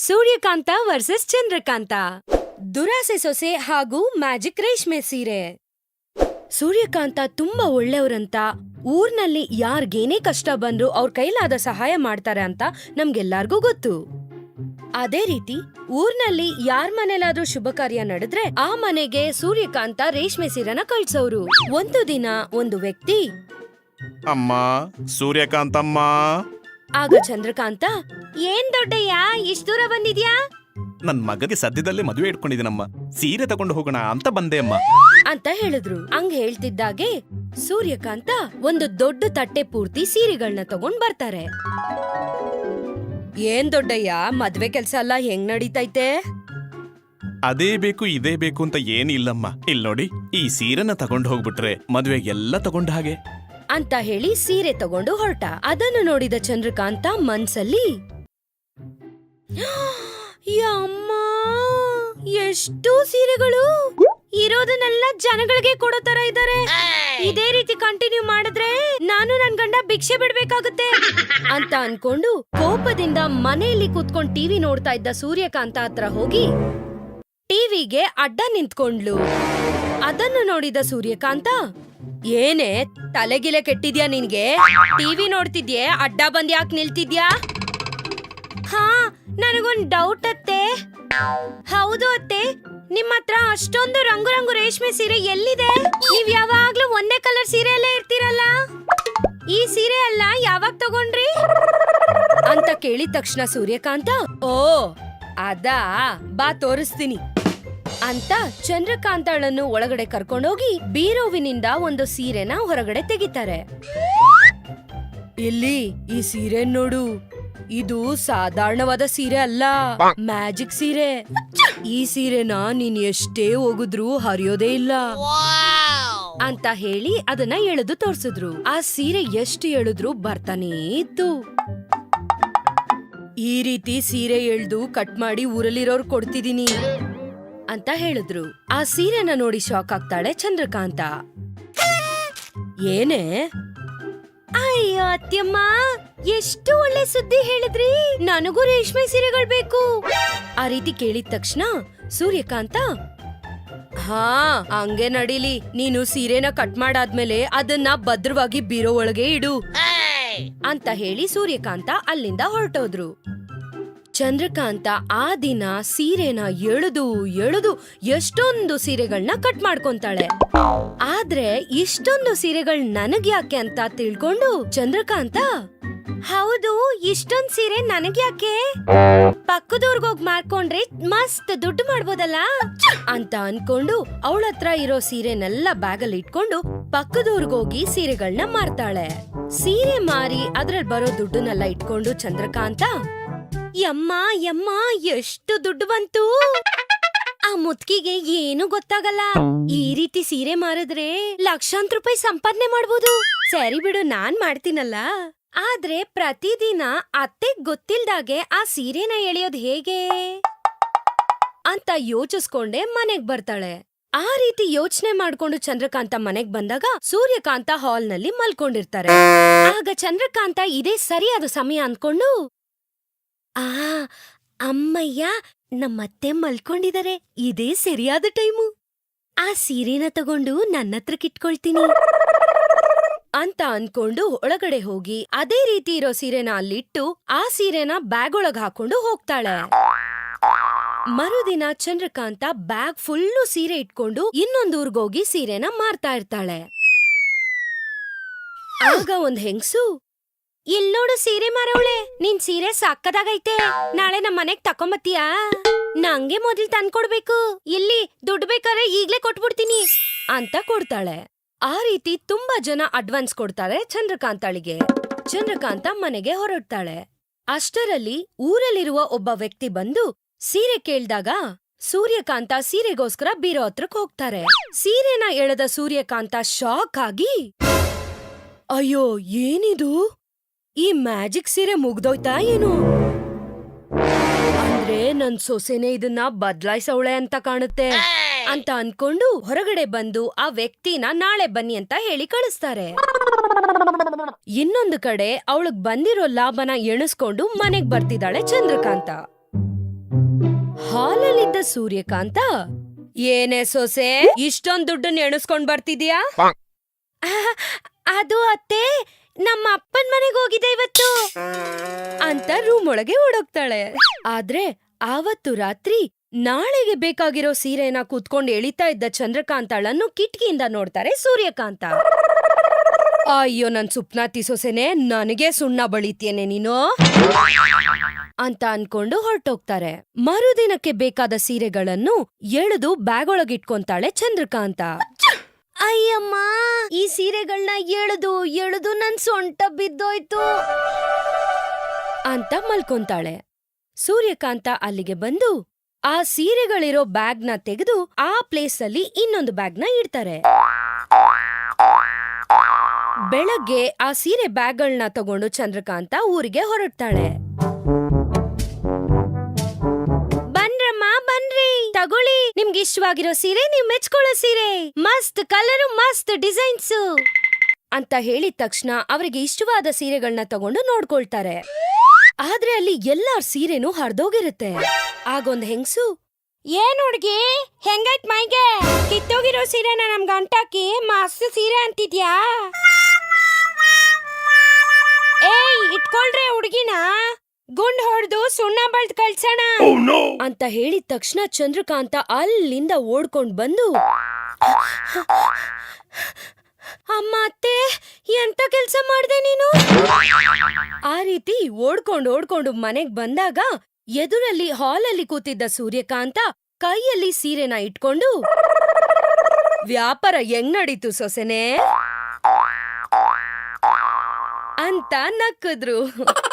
ಸೂರ್ಯಕಾಂತ versus Chandrakanta. ದುರಾಸೆ ಸೊಸೆ ಹಾಗೂ ಮ್ಯಾಜಿಕ್ ರೇಷ್ಮೆ ಸೀರೆ. ಸೂರ್ಯಕಾಂತ ತುಂಬಾ ಒಳ್ಳೆಯವ್ರಂತ, ಊರ್ನಲ್ಲಿ ಯಾರ್ಗೇನೇ ಕಷ್ಟ ಬಂದ್ರು ಅವ್ರ ಕೈಲಾದ ಸಹಾಯ ಮಾಡ್ತಾರೆ ಅಂತ ನಮ್ಗೆಲ್ಲಾರ್ಗೂ ಗೊತ್ತು. ಅದೇ ರೀತಿ ಊರ್ನಲ್ಲಿ ಯಾರ್ ಮನೇಲಾದ್ರೂ ಶುಭ ಕಾರ್ಯ ನಡೆದ್ರೆ ಆ ಮನೆಗೆ ಸೂರ್ಯಕಾಂತ ರೇಷ್ಮೆ ಸೀರೆನ ಕಳ್ಸೋರು. ಒಂದು ದಿನ ಒಂದು ವ್ಯಕ್ತಿ, ಅಮ್ಮ ಸೂರ್ಯಕಾಂತಮ್ಮ. ಆಗ ಚಂದ್ರಕಾಂತ, ಏನ್ ದೊಡ್ಡಯ್ಯ ಇಷ್ಟ ದೂರ ಬಂದಿದ್ಯಾ? ನನ್ ಮಗಗೆ ಸದ್ಯದಲ್ಲೇ ಮದುವೆ ಇಟ್ಕೊಂಡಿದ್ದೀನಮ್ಮ, ಸೀರೆ ತಗೊಂಡು ಹೋಗೋಣ ಅಂತ ಬಂದೆ ಅಮ್ಮ ಅಂತ ಹೇಳಿದ್ರು. ಹಂಗ್ ಹೇಳ್ತಿದ್ದಾಗೆ ಸೂರ್ಯಕಾಂತ ಒಂದು ದೊಡ್ಡ ತಟ್ಟೆ ಪೂರ್ತಿ ಸೀರೆಗಳನ್ನ ತಗೊಂಡ್ ಬರ್ತಾರೆ. ಏನ್ ದೊಡ್ಡಯ್ಯ, ಮದ್ವೆ ಕೆಲ್ಸ ಎಲ್ಲ ಹೆಂಗ್ ನಡೀತೈತೆ? ಅದೇ ಬೇಕು ಇದೇ ಬೇಕು ಅಂತ ಏನಿಲ್ಲಮ್ಮ, ಇಲ್ ನೋಡಿ ಈ ಸೀರೆನ ತಗೊಂಡು ಹೋಗ್ಬಿಟ್ರೆ ಮದ್ವೆಗೆಲ್ಲ ತಗೊಂಡ ಹಾಗೆ ಅಂತ ಹೇಳಿ ಸೀರೆ ತಗೊಂಡು ಹೊರಟ. ಅದನ್ನು ನೋಡಿದ ಚಂದ್ರಕಾಂತ ಮನ್ಸಲ್ಲಿ, ಯಮ್ಮ ಎಷ್ಟು ಸೀರೆಗಳು, ಇರೋದನ್ನೆಲ್ಲ ಜನಗಳಿಗೆ ಕೊಡೋ ತರ ಇದ್ದಾರೆ. ಇದೇ ರೀತಿ ಕಂಟಿನ್ಯೂ ಮಾಡಿದ್ರೆ ನಾನು ನನ್ ಗಂಡ ಭಿಕ್ಷೆ ಬಿಡ್ಬೇಕಾಗುತ್ತೆ ಅಂತ ಅನ್ಕೊಂಡು ಕೋಪದಿಂದ ಮನೆಯಲ್ಲಿ ಕೂತ್ಕೊಂಡ್ ಟಿವಿ ನೋಡ್ತಾ ಇದ್ದ ಸೂರ್ಯಕಾಂತ ಹತ್ರ ಹೋಗಿ ಟಿವಿಗೆ ಅಡ್ಡ ನಿಂತ್ಕೊಂಡ್ಲು. ಅದನ್ನು ನೋಡಿದ ಸೂರ್ಯಕಾಂತ, ಏನೇ ತಲೆಗಿಲೆ ಕೆಟ್ಟಿದ್ಯಾ ನಿನ್ಗೆ? ಟಿವಿ ನೋಡ್ತಿದ್ಯೆ, ಅಡ್ಡ ಬಂದ್ ಯಾಕೆ ನಿಲ್ತಿದ್ಯಾ? ಹಾ, ನನಗೊಂದ್ ಡೌಟ್ ಅತ್ತೆ. ಹೌದು ಅತ್ತೆ, ನಿಮ್ ಹತ್ರ ಅಷ್ಟೊಂದು ರಂಗು ರಂಗು ರೇಷ್ಮೆ ಸೀರೆ ಎಲ್ಲಿದೆ? ನೀವ್ ಯಾವಾಗ್ಲೂ ಒಂದೇ ಕಲರ್ ಸೀರೆಯಲ್ಲೇ ಇರ್ತೀರಲ್ಲ, ಈ ಸೀರೆ ಅಲ್ಲ ಯಾವಾಗ ತಗೊಂಡ್ರಿ ಅಂತ ಕೇಳಿದ ತಕ್ಷಣ ಸೂರ್ಯಕಾಂತ, ಓ ಅದಾ, ಬಾ ತೋರಿಸ್ತೀನಿ ಅಂತ ಚಂದ್ರಕಾಂತಳನ್ನು ಒಳಗಡೆ ಕರ್ಕೊಂಡೋಗಿ ಬೀರೋವಿನಿಂದ ಒಂದು ಸೀರೆನ ಹೊರಗಡೆ ತೆಗಿತಾರೆ. ಇಲ್ಲಿ ಈ ಸೀರೆ ನೋಡು, ಇದು ಸಾಧಾರಣವಾದ ಸೀರೆ ಅಲ್ಲ, ಮ್ಯಾಜಿಕ್ ಸೀರೆ. ಈ ಸೀರೆನ ನೀನ್ ಎಷ್ಟೇ ಹೋಗಿದ್ರು ಹರಿಯೋದೇ ಇಲ್ಲ ಅಂತ ಹೇಳಿ ಅದನ್ನ ಎಳೆದು ತೋರ್ಸಿದ್ರು. ಆ ಸೀರೆ ಎಷ್ಟು ಎಳೆದ್ರು ಬರ್ತಾನೇ ಇತ್ತು. ಈ ರೀತಿ ಸೀರೆ ಎಳ್ದು ಕಟ್ ಮಾಡಿ ಊರಲ್ಲಿರೋರು ಕೊಡ್ತಿದೀನಿ ಅಂತ ಹೇಳಿದ್ರು. ಆ ಸೀರೆನ ನೋಡಿ ಶಾಕ್ ಆಗ್ತಾಳೆ ಚಂದ್ರಕಾಂತ. ಏನೇ? ಅಯ್ಯೋ ಅತ್ಯಮ್ಮ, ಎಷ್ಟು ಒಳ್ಳೆ ಸುದ್ದಿ ಹೇಳಿದ್ರಿ, ನನಗೂ ರೇಷ್ಮೆ ಸೀರೆಗಳು ಬೇಕು. ಆ ರೀತಿ ಕೇಳಿದ ತಕ್ಷಣ ಸೂರ್ಯಕಾಂತ, ಹಾ ಹಂಗೆ ನಡೀಲಿ, ನೀನು ಸೀರೆನ ಕಟ್ ಮಾಡಾದ್ಮೇಲೆ ಅದನ್ನ ಭದ್ರವಾಗಿ ಬೀರೋ ಒಳಗೆ ಇಡು ಅಂತ ಹೇಳಿ ಸೂರ್ಯಕಾಂತ ಅಲ್ಲಿಂದ ಹೊರಟೋದ್ರು. ಚಂದ್ರಕಾಂತ ಆ ದಿನ ಸೀರೆನ ಎಳೆದು ಎಳೆದು ಎಷ್ಟೊಂದು ಸೀರೆಗಳನ್ನ ಕಟ್ ಮಾಡ್ಕೊಂತಾಳೆ. ಆದ್ರೆ ಇಷ್ಟೊಂದು ಸೀರೆಗಳು ನನಗ್ಯಾಕೆ ಅಂತ ತಿಳ್ಕೊಂಡು ಚಂದ್ರಕಾಂತ, ಹೌದು ಇಷ್ಟೊಂದ್ ಸೀರೆ ನನಗ್ಯಾಕೆ, ಪಕ್ಕದವ್ರಿಗೋಗ್ ಮಾರ್ಕೊಂಡ್ರೆ ಮಸ್ತ್ ದುಡ್ಡು ಮಾಡ್ಬೋದಲ್ಲ ಅಂತ ಅನ್ಕೊಂಡು ಅವಳತ್ರ ಇರೋ ಸೀರೆನೆಲ್ಲ ಬ್ಯಾಗಲ್ಲಿ ಇಟ್ಕೊಂಡು ಪಕ್ಕದವ್ರಿಗೋಗಿ ಸೀರೆಗಳನ್ನ ಮಾರ್ತಾಳೆ. ಸೀರೆ ಮಾರಿ ಅದ್ರಲ್ಲಿ ಬರೋ ದುಡ್ಡನ್ನೆಲ್ಲ ಇಟ್ಕೊಂಡು ಚಂದ್ರಕಾಂತ, ಯಮ್ಮ ಯಮ್ಮ ಎಷ್ಟು ದುಡ್ಡು ಬಂತು, ಆ ಮುತ್ಕಿಗೆ ಏನು ಗೊತ್ತಾಗಲ್ಲ, ಈ ರೀತಿ ಸೀರೆ ಮಾರಿದ್ರೆ ಲಕ್ಷಾಂತರ ರೂಪಾಯಿ ಸಂಪಾದನೆ ಮಾಡ್ಬೋದು. ಸರಿ ಬಿಡು, ನಾನ್ ಮಾಡ್ತೀನಲ್ಲ. ಆದ್ರೆ ಪ್ರತಿದಿನ ಅತ್ತೆಗ್ ಗೊತ್ತಿಲ್ದಾಗೆ ಆ ಸೀರೆನ ಎಳೆಯೋದ್ ಹೇಗೆ ಅಂತ ಯೋಚಿಸ್ಕೊಂಡೆ ಮನೆಗ್ ಬರ್ತಾಳೆ. ಆ ರೀತಿ ಯೋಚನೆ ಮಾಡ್ಕೊಂಡು ಚಂದ್ರಕಾಂತ ಮನೆಗ್ ಬಂದಾಗ ಸೂರ್ಯಕಾಂತ ಹಾಲ್ನಲ್ಲಿ ಮಲ್ಕೊಂಡಿರ್ತಾರೆ. ಆಗ ಚಂದ್ರಕಾಂತ ಇದೇ ಸರಿಯಾದ ಸಮಯ ಅನ್ಕೊಂಡು, ಆ ಅಮ್ಮಯ್ಯ, ನಮ್ಮತ್ತೆ ಮಲ್ಕೊಂಡಿದ್ದಾರೆ, ಇದೇ ಸರಿಯಾದ ಟೈಮು, ಆ ಸೀರೆನ ತಗೊಂಡು ನನ್ನತ್ರಕ್ ಇಟ್ಕೊಳ್ತೀನಿ ಅಂತ ಅನ್ಕೊಂಡು ಒಳಗಡೆ ಹೋಗಿ ಅದೇ ರೀತಿ ಇರೋ ಸೀರೆನ ಅಲ್ಲಿಟ್ಟು ಆ ಸೀರೆನ ಬ್ಯಾಗ್ ಒಳಗ್ ಹಾಕೊಂಡು ಹೋಗ್ತಾಳೆ. ಮರುದಿನ ಚಂದ್ರಕಾಂತ ಬ್ಯಾಗ್ ಫುಲ್ಲು ಸೀರೆ ಇಟ್ಕೊಂಡು ಇನ್ನೊಂದ್ ಊರ್ಗೋಗಿ ಸೀರೆನ ಮಾರ್ತಾ ಇರ್ತಾಳೆ. ಆಗ ಒಂದ್ ಹೆಂಗ್ಸು, ಇಲ್ನೋಡು ಸೀರೆ ಮಾರವಳೆ, ನಿನ್ ಸೀರೆ ಸಾಕ್ಕದಾಗೈತೆ, ನಾಳೆ ನಮ್ ಮನೆಗ್ ತಕೊಂಬತ್ತೀಯಾ? ನಂಗೆ ಮೊದಲ್ ತಂದ್ಕೊಡ್ಬೇಕು, ಇಲ್ಲಿ ದುಡ್ಡು ಬೇಕಾದ್ರೆ ಈಗ್ಲೇ ಕೊಟ್ಬಿಡ್ತೀನಿ ಅಂತ ಕೊಡ್ತಾಳೆ. ಆ ರೀತಿ ತುಂಬಾ ಜನ ಅಡ್ವಾನ್ಸ್ ಕೊಡ್ತಾರೆ ಚಂದ್ರಕಾಂತಳಿಗೆ. ಚಂದ್ರಕಾಂತ ಮನೆಗೆ ಹೊರಡ್ತಾಳೆ. ಅಷ್ಟರಲ್ಲಿ ಊರಲ್ಲಿರುವ ಒಬ್ಬ ವ್ಯಕ್ತಿ ಬಂದು ಸೀರೆ ಕೇಳ್ದಾಗ ಸೂರ್ಯಕಾಂತ ಸೀರೆಗೋಸ್ಕರ ಬೀರೋ ಹತ್ರಕ್ ಹೋಗ್ತಾರೆ. ಸೀರೆನ ಎಳೆದ ಸೂರ್ಯಕಾಂತ ಶಾಕ್ ಆಗಿ, ಅಯ್ಯೋ ಏನಿದು, ಈ ಮ್ಯಾಜಿಕ್ ಸೀರೆ ಮುಗ್ದೋಯ್ತಾ ಏನು? ಅಂದ್ರೆ ನನ್ ಸೊಸೆನೆ ಇದನ್ನ ಬದ್ಲಾಯ್ಸವಳೆ ಅಂತ ಕಾಣುತ್ತೆ ಅಂತ ಅನ್ಕೊಂಡು ಹೊರಗಡೆ ಬಂದು ಆ ವ್ಯಕ್ತಿನ ನಾಳೆ ಬನ್ನಿ ಅಂತ ಹೇಳಿ ಕಳಿಸ್ತಾರೆ. ಇನ್ನೊಂದು ಕಡೆ ಅವಳಗ್ ಬಂದಿರೋ ಲಾಭನ ಎಣಿಸ್ಕೊಂಡು ಮನೆಗ್ ಬರ್ತಿದ್ದಾಳೆ ಚಂದ್ರಕಾಂತ. ಹಾಲಲ್ಲಿದ್ದ ಸೂರ್ಯಕಾಂತ, ಏನೇ ಸೊಸೆ, ಇಷ್ಟೊಂದ್ ದುಡ್ಡನ್ನ ಎಣಿಸ್ಕೊಂಡ್ ಬರ್ತಿದ್ಯಾ? ಅದು ಅತ್ತೆ, ನಮ್ಮ ಅಪ್ಪನ್ ಮನೆಗೆ ಹೋಗಿದೆ ಇವತ್ತು ಅಂತ ರೂಮ್ ಒಳಗೆ ಓಡೋಗ್ತಾಳೆ. ಆದ್ರೆ ಆವತ್ತು ರಾತ್ರಿ ನಾಳೆಗೆ ಬೇಕಾಗಿರೋ ಸೀರೆನ ಕೂತ್ಕೊಂಡು ಎಳಿತಾ ಇದ್ದ ಚಂದ್ರಕಾಂತಾಳನ್ನು ಕಿಟಕಿಯಿಂದ ನೋಡ್ತಾರೆ ಸೂರ್ಯಕಾಂತ. ಅಯ್ಯೋ ನನ್ ಸುಪ್ನಾತಿ ಸೊಸೆನೆ, ನನಗೆ ಸುಣ್ಣ ಬಳಿತೇನೆ ನೀನು ಅಂತ ಅನ್ಕೊಂಡು ಹೊರಟೋಗ್ತಾರೆ. ಮರುದಿನಕ್ಕೆ ಬೇಕಾದ ಸೀರೆಗಳನ್ನು ಎಳೆದು ಬ್ಯಾಗ್ ಒಳಗಿಟ್ಕೊಂತಾಳೆ ಚಂದ್ರಕಾಂತ. ಅಯ್ಯಮ್ಮ, ಈ ಸೀರೆಗಳನ್ನ ಎಳೆದು ಎಳೆದು ನನ್ ಸೊಂಟ ಬಿದ್ದೋಯ್ತು ಅಂತ ಮಲ್ಕೊಂತಾಳೆ. ಸೂರ್ಯಕಾಂತ ಅಲ್ಲಿಗೆ ಬಂದು ಆ ಸೀರೆಗಳಿರೋ ಬ್ಯಾಗ್ನ ತೆಗೆದು ಆ ಪ್ಲೇಸ್ ಅಲ್ಲಿ ಇನ್ನೊಂದು ಬ್ಯಾಗ್ನ ಇಡ್ತಾರೆ. ಬೆಳಗ್ಗೆ ಆ ಸೀರೆ ಬ್ಯಾಗ್ಗಳನ್ನ ತಗೊಂಡು ಚಂದ್ರಕಾಂತ ಊರಿಗೆ ಹೊರಡ್ತಾಳೆ. ಬನ್ರಮ್ಮ ಬನ್ರಿ, ತಗೊಳ್ಳಿ, ನಿಮ್ಗೆ ಇಷ್ಟವಾಗಿರೋ ಸೀರೆ, ನೀವ್ ಮೆಚ್ಕೊಳ್ಳೋ ಸೀರೆ, ಮಸ್ತ್ ಕಲರು, ಮಸ್ತ್ ಡಿಸೈನ್ಸ್ ಅಂತ ಹೇಳಿದ ತಕ್ಷಣ ಅವರಿಗೆ ಇಷ್ಟವಾದ ಸೀರೆಗಳನ್ನ ತಗೊಂಡು ನೋಡ್ಕೊಳ್ತಾರೆ. ಆದ್ರೆ ಅಲ್ಲಿ ಎಲ್ಲಾರ್ ಸೀರೆನೂ ಹರ್ದೋಗಿರುತ್ತೆ. ಆಗೊಂದ್ ಹೆಂಗ್ಸು, ಏನ್ ಹುಡ್ಗಿ, ಹೆಂಗೈತ್ ಮೈಗೆ? ಕಿತ್ತೋಗಿರೋ ಸೀರೆನ ನಮ್ಗೆ ಅಂಟಾಕಿ ಮಸ್ತ್ ಸೀರೆ ಅಂತಿದ್ಯಾ? ಏಯ್, ಇಟ್ಕೊಳ್ರೆ ಹುಡ್ಗಿನ, ಗುಂಡ್ ಹೊಡೆದು ಸುಣ್ಣ ಬಳ್ದ್ ಕಳ್ಸೋಣ ಅಂತ ಹೇಳಿದ ತಕ್ಷಣ ಚಂದ್ರಕಾಂತ ಅಲ್ಲಿಂದ ಓಡ್ಕೊಂಡ್ ಬಂದು, ಅಮ್ಮ ಅತ್ತೆ, ಎಂತ ಕೆಲ್ಸ ಮಾಡ್ದೆ ನೀನು? ಆ ರೀತಿ ಓಡ್ಕೊಂಡು ಮನೆಗ್ ಬಂದಾಗ ಎದುರಲ್ಲಿ ಹಾಲಲ್ಲಿ ಕೂತಿದ್ದ ಸೂರ್ಯಕಾಂತ ಕೈಯಲ್ಲಿ ಸೀರೆನ ಇಟ್ಕೊಂಡು, ವ್ಯಾಪಾರ ಹೆಂಗ್ ನಡೀತು ಸೊಸೆನೆ ಅಂತ ನಕ್ಕಿದ್ರು.